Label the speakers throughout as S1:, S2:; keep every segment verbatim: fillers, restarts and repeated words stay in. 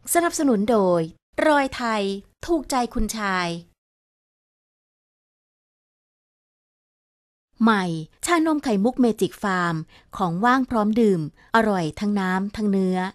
S1: สนับสนุนโดยรอยไทยถูกใจคุณชายใหม่ชานมไข่มุกเมจิกฟาร์มของว่างพร้อมดื่มอร่อยทั้งน้ำทั้งเนื้อ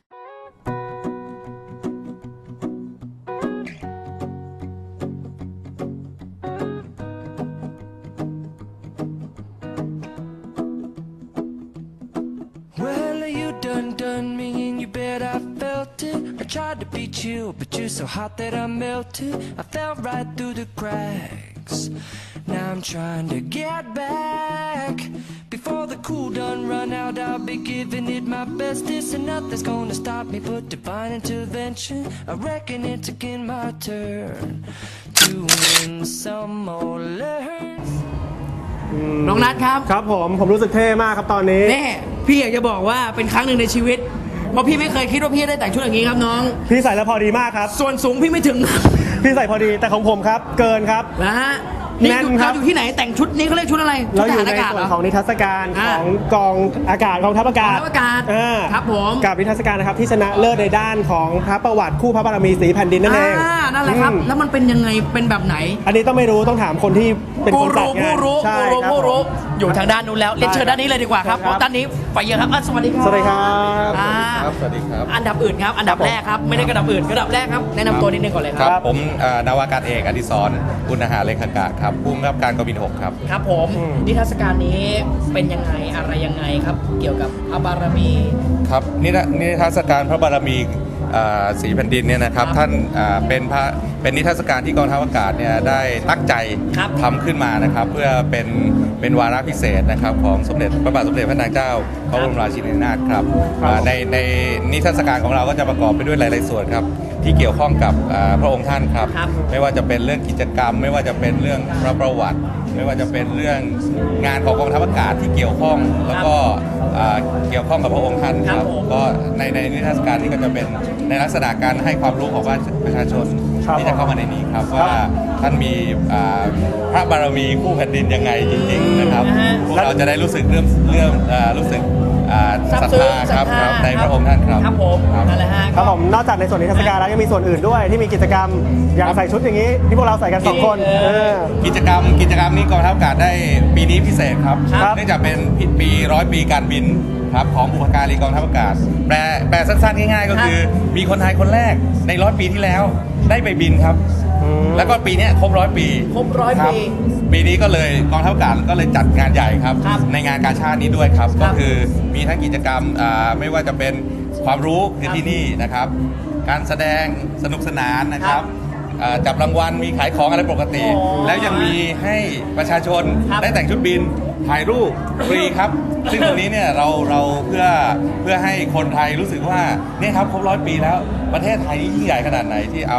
S2: I tried to be chill, but you're so hot that I melted. I fell right through the cracks. Now I'm trying to get back. Before the cool done run out, I'll be giving it my bestest, and nothing's gonna stop me but divine intervention. I reckon it's again my turn to win some or learn.
S3: น้องนัทครับ
S4: ครับผมผมรู้สึกเท่มากครับตอนนี้
S3: แน่พี่อยากจะบอกว่าเป็นครั้งหนึ่งในชีวิตเพราะพี่ไม่เคยคิดว่าพี่ได้แต่งชุดอย่างนี้ครับน้อง
S4: พี่ใส่แล้วพอดีมากครับ
S3: ส่วนสูงพี่ไม่ถึง
S4: พี่ใส่พอดีแต่ของผมครับเกินครับ
S3: นะฮะนี่เราอยู่ที่ไหนแต่งชุดนี้เขาเรียกชุดอะไร
S4: เราอยู่ในส่วนของนิทรรศการของกองอากาศกองทัพอากาศ
S3: ครับผม
S4: กับนิทรรศการนะครับที่ชนะเลิศในด้านของพระประวัติคู่พระบารมีสีแผ่นดินนั่นเอง
S3: นั่นแหละครับแล้วมันเป็นยังไงเป็นแบบไหน
S4: อันนี้ต้องไม่รู้ต้องถามคนที่เป็นคนจัดงาน
S3: ผู้รู้ผู้รู้ผู้รู้อยู่ทางด้านนู้นแล้วเรียนเชิญด้านนี้เลยดีกว่าครับด้านนี้ไปเยอะครับสวัสดีครับ
S4: สวัสดีครับ
S5: สวัสดีครับ
S3: อันดับอื่นครับอันดับแรกครับไม่ได้กระดับอื่นกระดับแรกครับแนะนำตัวนิดนึงก่อนเลยครับ
S5: ผมนาวากาศเอกอดิศรอุณหาเลขากาศครับผู้กำกับการกองบินหกครับ
S3: ครับผมนิทรรศการนี้เป็นยังไงอะไรยังไงครับเกี่ยวกับพระบารมี
S5: ครับนิทรรศการพระบารมีสีแผ่นดินเนี่ยนะครับท่านเป็นพระเป็นนิทรรศการที่กองทัพอากาศเนี่ยได้ตั้งใจทำขึ้นมานะครับเพื่อเป็นเป็นวาระพิเศษนะครับของสมเด็จพระบาทสมเด็จพระนางเจ้าพระบรมราชินีนาถครับในในนิทรรศการของเราก็จะประกอบไปด้วยหลายๆส่วนครับที่เกี่ยวข้องกับพระองค์ท่านครับไม่ว่าจะเป็นเรื่องกิจกรรมไม่ว่าจะเป็นเรื่องพระประวัติไม่ว่าจะเป็นเรื่องงานของกองทัพอากาศที่เกี่ยวข้องแล้วก็เกี่ยวข้องกับพระองค์ท่านครับก็ในในนิทรรศการนี้ก็จะเป็นในลักษณะการให้ความรู้ของประชาชนที่จะเข้ามาในนี้ครับว่าท่านมีพระบารมีคู่แผ่นดินยังไงจริงๆนะครับพวกเราจะได้รู้สึกเรื่องเรื่องรู้สึกศรัทธาครับในพระองค์ท่านครับ
S3: ครับผมนั่นแหละฮะ
S4: ครับผมนอกจากในส่วนนิทรรศการแล้วยังมีส่วนอื่นด้วยที่มีกิจกรรมอย่างใส่ชุดอย่างนี้ที่พวกเราใส่กันสองคน
S5: กิจกรรมกิจกรรมนี้กองทัพอากาศได้ปีนี้พิเศษครับเนื่องจากเป็นปีร้อยปีการบินครับของบุพการีกองทัพอากาศแปลแปลสั้นๆง่ายๆก็คือมีคนไทยคนแรกในร้อยปีที่แล้วได้ไปบินครับแล้วก็ปีนี้ครบร้อยปี
S3: ครบร้อยปี
S5: ปีนี้ก็เลยกองทัพอากาศก็เลยจัดงานใหญ่ครับในงานกาชาดนี้ด้วยครับก็คือมีทั้งกิจกรรมไม่ว่าจะเป็นความรู้คือที่นี่นะครับการแสดงสนุกสนานนะครับจับรางวัลมีขายของอะไรปกติแล้วยังมีให้ประชาชนได้แต่งชุดบินถ่ายรูปฟรีครับซึ่งตรงนี้เนี่ยเราเราเพื่อเพื่อให้คนไทยรู้สึกว่าเนี่ยครับครบร้อยปีแล้วประเทศไทยนี่ยิ่งใหญ่ขนาดไหนที่เอา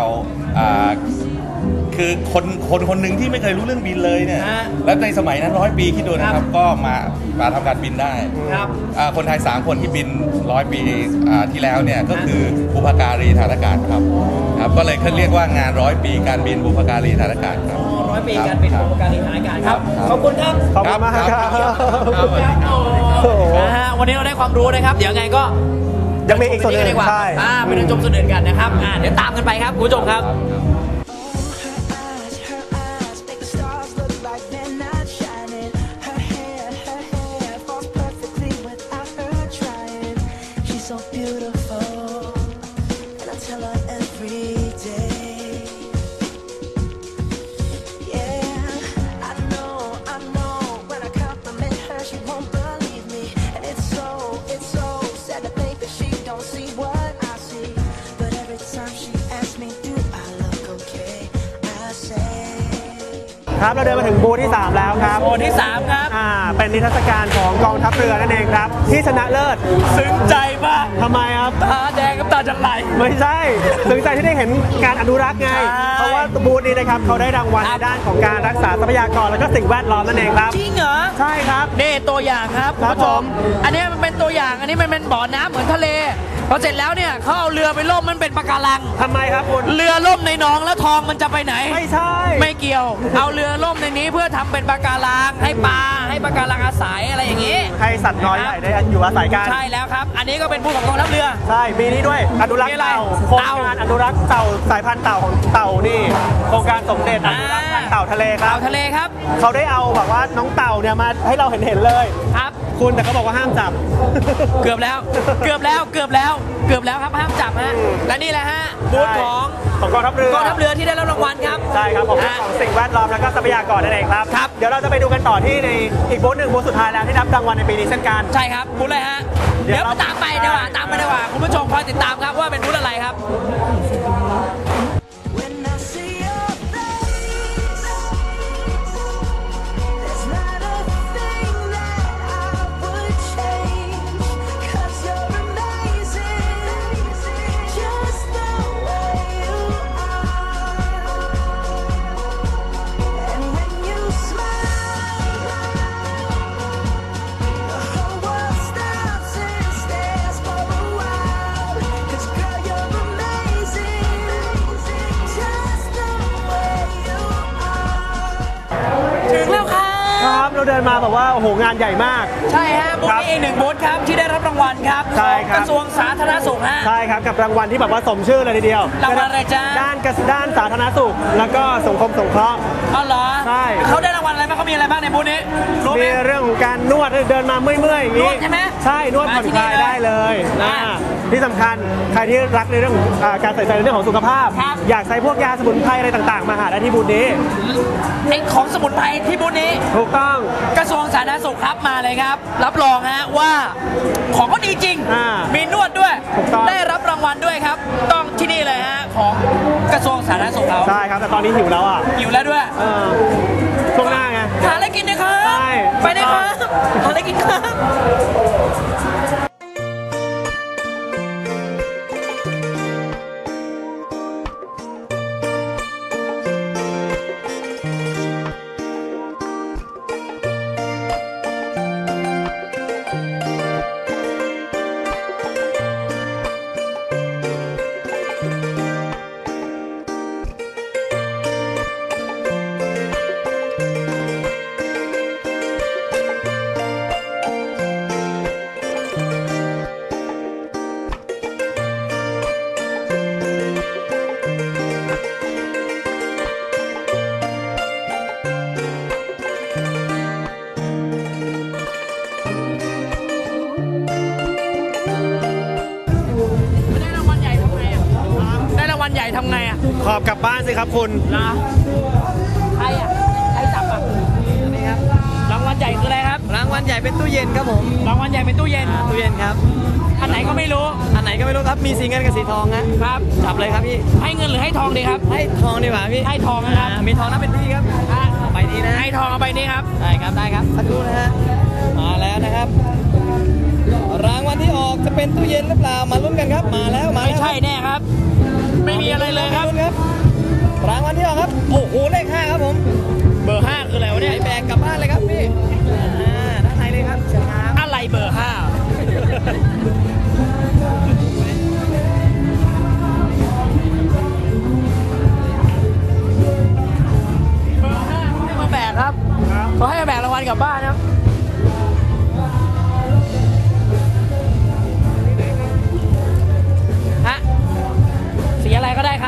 S5: คือคนคนคนหนึ่งที่ไม่เคยรู้เรื่องบินเลยเนี่ยแล้วในสมัยนั้นร้อยปีคิดดูนะครับก็มามาทำการบินได้คนไทยสามคนที่บินร้อยปีที่แล้วเนี่ยก็คือบุพการีฐานอากาศครับครับก็เลยเขาเรียกว่างานร้อยปีการบินบุพการีฐานอากาศครับ
S3: ร้อยปีการบินบุพการีฐานอากาศครับขอบคุณครับ
S4: ขอบคุณมากครับ
S3: วันนี้เราได้ความรู้นะครับเดี๋ยวไงก็
S4: ยังมีอีกส่วนหนึ่ง
S3: ใช่ไปเดินชมส่วนอื่นกันนะครับเดี๋ยวตามกันไปครับคุณผู้ชมครับ
S4: ครับเราเดินมาถึงบูธที่สามแล้วครับ
S3: บูธที่สามครับ
S4: อ่าเป็นนิทรรศการของกองทัพเรือนั่นเองครับที่ชนะเลิศ
S3: ซึ้งใจมาก
S4: ทำไมครับ
S3: ตาแดงกับตาจะไหล
S4: ไม่ใช่ซึ้งใจที่ได้เห็นการอนุรักษ์ไงเพราะว่าบูธนี้นะครับเขาได้รางวัลในด้านของการรักษาทรัพยากรและก็สิ่งแวดล้อมนั่นเองครับ
S3: จริงเหรอ
S4: ใช่ครับ
S3: นี่ตัวอย่างครับคุณผู้ชมอันนี้มันเป็นตัวอย่างอันนี้มันเป็นบ่อน้ำเหมือนทะเลพอเสร็จแล้วเนี่ยเขาเอาเรือไปล่มมันเป็นปะการัง
S4: ทำไมครับคุณ
S3: เรือล่มในหนองแล้วทองมันจะไปไหน
S4: ไม่ใช่
S3: ไม่เกี่ยวเอาเรือล่มในนี้เพื่อทำเป็นปะการังให้ปลาให้ปะการังอาศัยอะไรอย่างนี้
S4: ให้สัตว์น้อยใหญ่ได้อยู่อาศัยกัน
S3: ใช่แล้วครับอันนี้ก็เป็นบูธของกองทัพเรือ
S4: ใช่ปีนี้ด้วยด้วยอนุรักษ์เต่าโครงการอนุรักษ์เต่าสายพันธุ์เต่าของเต่านี่โครงการสมเด็จอนุรักษ์พันธุ์เต่าทะเลครั
S3: เต่า
S4: บ
S3: ทะเลครับ
S4: เขาได้เอาแบบว่าน้องเต่าเนี่ยมาให้เราเห็นเห็นๆเลย
S3: ครับ
S4: คุณแต่เขาบอกว่าห้ามจับ
S3: เกือบแล้ว เกือบแล้ว เกือบแล้ว เกือบแล้วครับห้ามจับฮะ และนี่แหละฮะบูธของ
S4: ของกองทัพเรือก
S3: องทัพเรือที่ได้รับรางวัลครับ
S4: ใช่ครับของเรื่องของสิ่งแวดล้อมแล้วก็ทรัพยากรนั่นเองครับ
S3: ครับ
S4: เดี๋ยวเราจะไปดูกันต่อที่ในอีกบูธหนึ่งบูธสุดท้ายแล้วที่รับรางวัลในปีนี้เช่นกัน
S3: ใช่ครับบูธเลยฮะ
S4: เดี๋
S3: เดี๋
S4: ย
S3: ยว ว
S4: เรา
S3: ตามไปดีกว่าตามไปดีกว่าคุณผู้ชมคอยติดตามครับว่าเป็นบูธอะไรครับ
S2: When I see your face, there's not a thing that I would change. 'Cause you're amazing, just the way you are. And when you smile, the whole world stops and stares for a while. 'Cause girl, you're amazing, just the way you are.
S3: ถึงแล้วครับ
S4: ครับเราเดินมาแบบว่าโอ้โหงานใหญ่มาก
S3: ใช่ฮะบูธ
S4: ครับ
S3: นี้อีกหนึ่งบูธครับที่ได้รับรางวัลครับ
S4: ใช่
S3: ของ
S4: ครับ
S3: กระทรวงสาธารณสุขฮะ
S4: ใช่ครับกับรางวัลที่แบบว่าสมชื่อเลยทีเดียว
S3: รางวัลอะไรจ๊ะ
S4: ด้านกระด้านสาธารณสุข แล้วก็สังคมสงเคราะห์
S3: อ๋อเหรอ
S4: ใช่
S3: เขาได้รางวัลอะไรบ้างเขามีอะไรบ้างในบูธนี้รู้ไหม
S4: มีเรื่องของการนวดเดินมาเมื่อยๆอย่างนี้
S3: นวดใช่ไหม
S4: ใช่นวดผ่อนคลาย
S3: มาที่นี่เลย
S4: ได้เลยนะ
S3: อ่า
S4: ที่สำคัญใครที่รักในเรื่องของอ่าการใส่ใจในเรื่องของสุขภาพ
S3: ครับ
S4: อยากใช้พวกยาสมุนไพรอะไรต่างๆ มาหาได้ที่บูธนี้
S3: ไอ้ของสมุนไพรที่บูธนี้
S4: ถูกต้อง
S3: กระทรวงสาธารณสุขครับมาเลยครับ รับรองฮะว่าของก็ดีจริง
S4: อ่ามี
S3: มีนวดด้วย
S4: ถูกต้อง
S3: ได้รับรางวัลด้วยครับ ต้องที่นี่เลยฮะของกระทรวงสาธารณสุขเขา
S4: ใช่ครับแต่ตอนนี้หิวแล้วอ่ะ
S3: อยู่แล้วด้วย
S4: เออช่วงหน้าไง
S3: หาอะไรกินนะครับ
S4: ใช่
S3: ไปเลยครับหาอะไรกินครับ ได้รางวัลใหญ่ทำไงอ่ะได้รางวัลใหญ่ทำไงอ่ะ
S4: ขอบกลับบ้านสิครับคุณ
S3: นะใครอ่ะใครจับอ่ะนี่ครับรางวัลใหญ่คืออะไรครับ
S6: รางวัลใหญ่เป็นตู้เย็นครับผม
S3: รางวัลใหญ่เป็นตู้เย็น
S6: ตู้เย็นครับ
S3: อันไหนก็ไม่รู้
S6: อันไหนก็ไม่รู้ครับ มีสีเงินกับสีทองนะครับ จับเลยครับพี่
S3: ให้เงินหรือให้ทองดีครับ
S6: ให้ทองดีกว่าพี่
S3: ให้ทองนะครับ
S6: อ่ามีทองนับเป็นพี่ครับไปนี้นะ
S3: ให้ทองเอาไปนี่ครับ
S6: ได้ครับ ได้ครับ สักครู่นะฮะ มาแล้วนะครับ รางวัลที่ออกจะเป็นตู้เย็นหรือเปล่า มาลุ้นกันครับ มาแล้ว มา
S3: ไม่
S6: แล้ว
S3: ใช่แน่ครับ ไม่มีอะไรเลยครับ
S6: มาลุ้นครับ รางวัลที่ออกครับ โอ้โห เลขห้าครับผม
S3: เบอร์ห้าคืออะไรวะ
S6: ให
S3: เนี่
S6: ญ่
S3: ย
S6: แบกกลับบ้านเลยครับพี่ อ่า ด้านในเลยครับเชิญครับ
S3: อะไรเบอร์ห้าเบอร์ห้าเขาให้มาแบกครับเขาให้มาแบกรางวัลกลับบ้านครับฮะสีอะไรก็ได้ครับ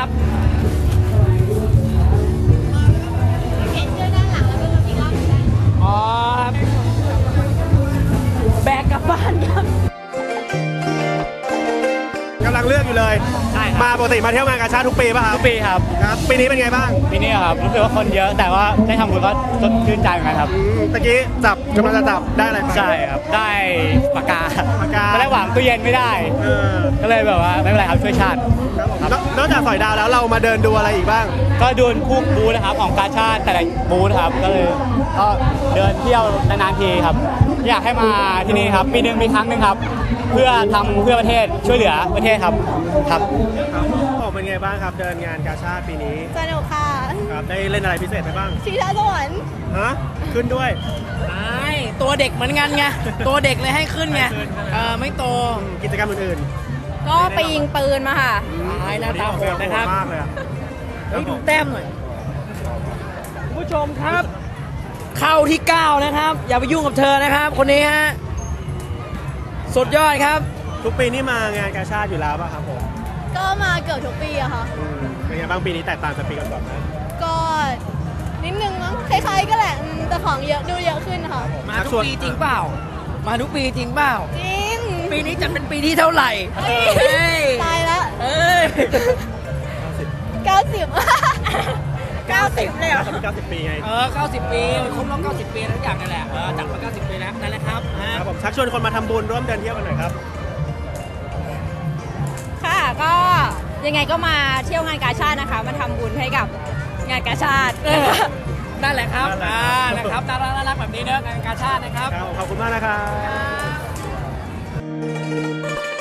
S3: อ๋อครับ แบกกลับบ้านครับ
S4: กำลังเลือกอยู่เลย
S6: ใช่ครับ
S4: มาปกติมาเที่ยวงานกาชาดทุกปีป่ะครับ
S6: ทุกปีครับ
S4: ครับ ปีนี้เป็นไงบ้าง
S6: ปีนี้ครับ รู้สึกว่าคนเยอะ แต่ว่าได้ทำบุญก็ชื่นใจเหมือนกันครับ
S4: อืมตะกี้จับกำลังจะจับได้อะไรไป
S6: ใช่ครับ ได้ปากกา
S4: ปากกา
S6: ตอนแรกหวังตู้เย็นไม่ได้
S4: เออ
S6: ก็เลยแบบว่าไม่เป็นไรครับช่วยชาติ
S4: ครับผมนอกนอกจากสอยดาวแล้วเรามาเดินดูอะไรอีกบ้าง
S6: ก็ดูผู้บูธนะครับของกาชาติแต่ละบูธครับ ก็เลยก็เดินเที่ยวนานๆทีครับ อยากให้มาที่นี่ครับ ปีหนึ่งมีครั้งหนึ่งครับ เพื่อทำเพื่อประเทศช่วยเหลือประเทศครับครับ
S4: ครับผมเป็นไงบ้างครับ เดินงานกาชาดปีนี้
S7: สนุกค่ะ
S4: ครับ ได้เล่นอะไรพิเศษไปบ้าง
S7: ชิงช้าสวรรค์
S4: ฮะ ขึ้นด้วย
S3: ไม่ตัวเด็กเหมือนกันไง ตัวเด็กเลยให้ขึ้นไง
S4: ให้ขึ้น
S3: เออไม่โต
S4: กิจกรรมอื่น
S7: ก็ไปยิงปืนมาค่ะ
S3: ตายหน้าตาโหดนะครับ
S4: มากเลยอะ
S3: เฮ้ยดูแต้มหน่อยคุณผู้ชมครับ เข้าที่ เก้านะครับ อย่าไปยุ่งกับเธอนะครับ คนนี้ฮะ สุดยอดครับ
S4: ทุกปีนี่มางานกาชาติอยู่แล้วป่ะครับผม
S7: ก็มาเกือบทุกปีอะค่ะ
S4: อืมเป็นไงบ้างปีนี้แตกต่างจากปีก่อนๆไหม
S7: ก็นิดนึงมั้งคล้ายๆก็แหละอืมแต่ของเยอะดูเยอะขึ้นค่ะ
S3: มาทุกปีจริงเปล่า มาทุกปีจริงเปล่า
S7: จริง
S3: ปีนี้จะเป็นปีที่เท่าไหร่
S7: เอ้ย
S3: เอ้ย
S7: ตายแล้ว
S3: เอ้ย
S7: เก้าสิบ เก้าสิบเลยเหรอ
S4: จะเป็นเก้าสิบปีไง
S3: เออ เก้าสิบ ปีครบรอบเก้าสิบ ปีทุกอย่างนั่นแหละ เออ จัดมา เก้าสิบ ปีแล้ว นั่นแหละครับฮะ
S4: ครับผมชักชวนคนมาทำบุญร่วมเดินเที่ยวกันหน่อยครับ
S7: ค่ะก็ยังไงก็มาเที่ยวงานกาชาตินะคะ มาทำบุญให้กับงานกาชาติ
S3: นั่นแหละครับ
S4: นั่นแหละ
S3: อ่านะครับน่ารักน่ารักแบบนี้เนอะงานกาชาตินะครับ
S4: ครับขอบคุณมากนะครับ